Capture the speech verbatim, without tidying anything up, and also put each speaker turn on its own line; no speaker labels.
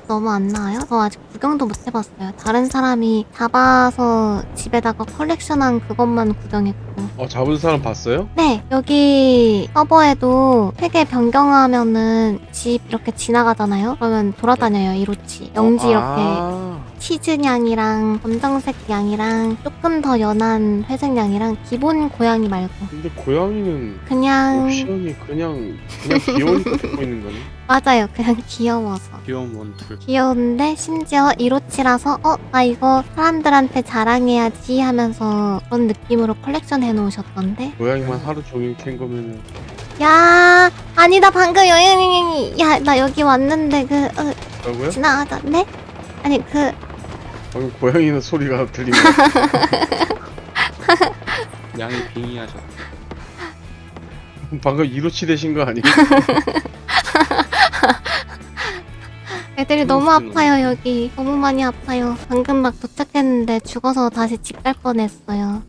너무 안 나와요? 저 아직 구경도 못 해봤어요. 다른 사람이 잡아서 집에다가 컬렉션한 그것만 구경했고.
어, 잡은 사람 봤어요?
네, 여기 서버에도 세계 변경하면은 집 이렇게 지나가잖아요? 그러면 돌아다녀요, 이로치. 영지
어,
이렇게.
아,
치즈냥이랑 검정색 양이랑 조금 더 연한 회색 양이랑 기본 고양이 말고
근데 고양이는
그냥
옵션이 그냥 그냥 귀여우니까 듣고 있는 거네.
맞아요. 그냥 귀여워서
귀여운 원툴.
귀여운데 심지어 이로치라서 어? 나 이거 사람들한테 자랑해야지 하면서 그런 느낌으로 컬렉션 해놓으셨던데.
고양이만 하루 종일 캔 거면은
야 아니다 방금 여행이 야나 여기 왔는데 그 어,
뭐라고요?
지나가다 네? 아니 그
방금 고양이는 소리가 들린 거 같아.
양이 빙의하셨다.
방금 이로치 되신 거 아니에요?
애들이 너무
그럴 수는
아파요 여기 너무 많이 아파요. 방금 막 도착했는데 죽어서 다시 집 갈 뻔했어요.